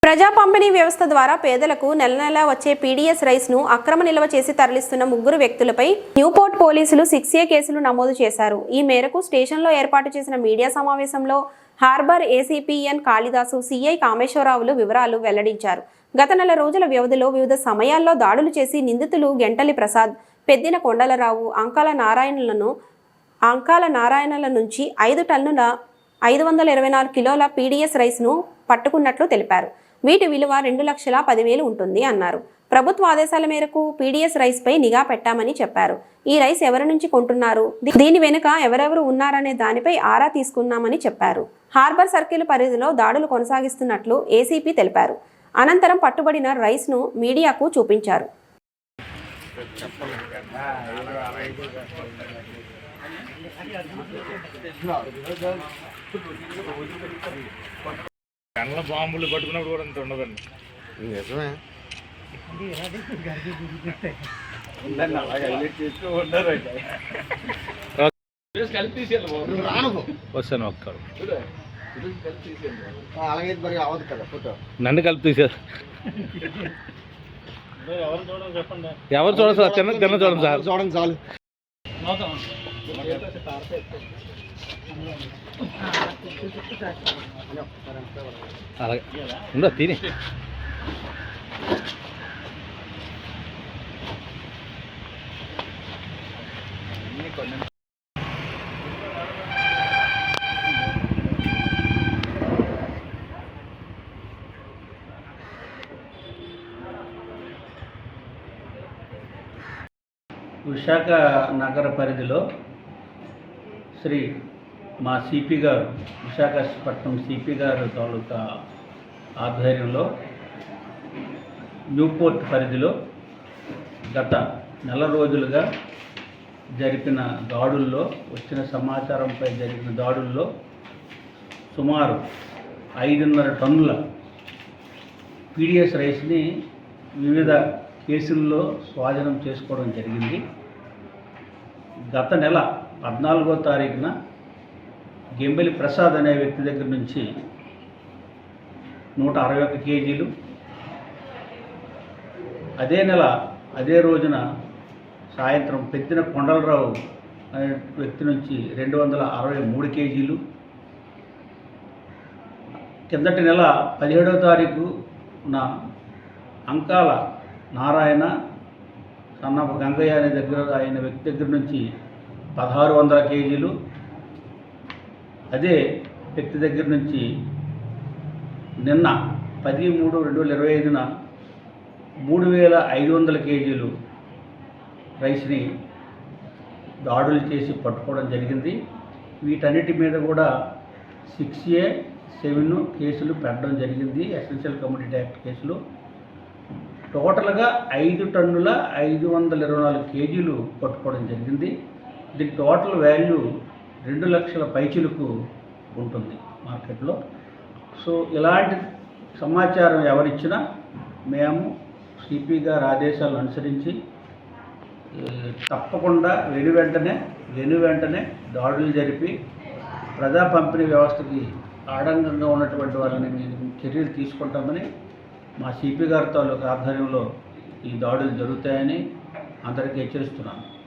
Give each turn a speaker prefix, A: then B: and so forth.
A: ప్రజా పంపిణీ వ్యవస్థ ద్వారా పేదలకు నెల నెలా వచ్చే పీడీఎస్ రైస్ ను అక్రమ నిల్వ చేసి తరలిస్తున్న ముగ్గురు వ్యక్తులపై న్యూపోర్ట్ పోలీసులు 6A కేసులు నమోదు చేశారు. ఈ మేరకు స్టేషన్లో ఏర్పాటు చేసిన మీడియా సమావేశంలో harbour ACP N Kalidasu, CI కామేశ్వరరావులు వివరాలు వెల్లడించారు. గత నెల రోజుల వ్యవధిలో వివిధ సమయాల్లో దాడులు చేసి నిందితులు గెంటలి ప్రసాద్, పెద్దిన కొండలరావు, అంకాల నారాయణల నుంచి 5 టన్నుల 524 కిలోల పీడీఎస్ రైస్ ను పట్టుకున్నట్లు తెలిపారు. వీటి విలువ 2,10,000 ఉంటుంది అన్నారు. ప్రభుత్వ ఆదేశాల మేరకు పీడీఎస్ రైస్ పై నిఘా పెట్టామని చెప్పారు. ఈ రైస్ ఎవరి నుంచి కొంటున్నారు, దీని వెనుక ఎవరెవరు ఉన్నారనే దానిపై ఆరా తీసుకున్నామని చెప్పారు. హార్బర్ సర్కిల్ పరిధిలో దాడులు కొనసాగిస్తున్నట్లు ఏసీపీ తెలిపారు. అనంతరం పట్టుబడిన రైస్ ను మీడియాకు చూపించారు.
B: కళ్ళ బాంబులు పట్టుకున్నప్పుడు కూడా అంత ఉండదండి.
C: నిజమే.
B: వస్తాను ఒక్కడు
C: అలాగే మరి అవదు కదా ఫోటో.
B: నన్ను కలిపి తీసారు. ఎవరు చూడండి సార్, తిన్న చూడండి సార్,
C: చూడండి చాలు.
B: అలాగే ఉందా తిని.
D: విశాఖ నగర పరిధిలో శ్రీ మా సిపి గారు, విశాఖపట్నం సిపి గారు తాలూకా ఆధ్వర్యంలో న్యూపోర్ట్ పరిధిలో గత నెల రోజులుగా జరిపిన దాడుల్లో, వచ్చిన సమాచారంపై జరిగిన దాడుల్లో సుమారు 5.5 టన్నుల పీడీఎస్ రైస్ని వివిధ కేసుల్లో స్వాధీనం చేసుకోవడం జరిగింది. గత నెల 14వ తారీఖున గెంబెలి ప్రసాద్ అనే వ్యక్తి దగ్గర నుంచి 161 కేజీలు, అదే రోజున సాయంత్రం పెద్దిన కొండలరావు అనే వ్యక్తి నుంచి 263 కేజీలు, కిందటి నెల 17వ తారీఖున అంకాల నారాయణ, సన్నపు గంగయ్య అనే ఆయన వ్యక్తి దగ్గర నుంచి 1,600 కేజీలు, అదే వ్యక్తి దగ్గర నుంచి నిన్న 10/3/2025న 3,500 కేజీలు రైస్ని దాడులు చేసి పట్టుకోవడం జరిగింది. వీటన్నిటి మీద కూడా 6A 7 కేసులు పెట్టడం జరిగింది, ఎసెన్షియల్ కమోడిటీ యాక్ట్ కేసులు. టోటల్గా 5 టన్నుల 524 కేజీలు పట్టుకోవడం జరిగింది. దీని టోటల్ వాల్యూ 2 లక్షల పైచిలకు ఉంటుంది మార్కెట్లో. సో ఇలాంటి సమాచారం ఎవరిచ్చినా మేము సిపి గారి ఆదేశాలను అనుసరించి తప్పకుండా వెను వెంటనే దాడులు జరిపి ప్రజా పంపిణీ వ్యవస్థకి ఆడంగంగా ఉన్నటువంటి వాళ్ళని మేము చర్యలు తీసుకుంటామని మా సిపి గారి తాలూకు ఆధ్వర్యంలో ఈ దాడులు జరుగుతాయని అందరికీ హెచ్చరిస్తున్నాను.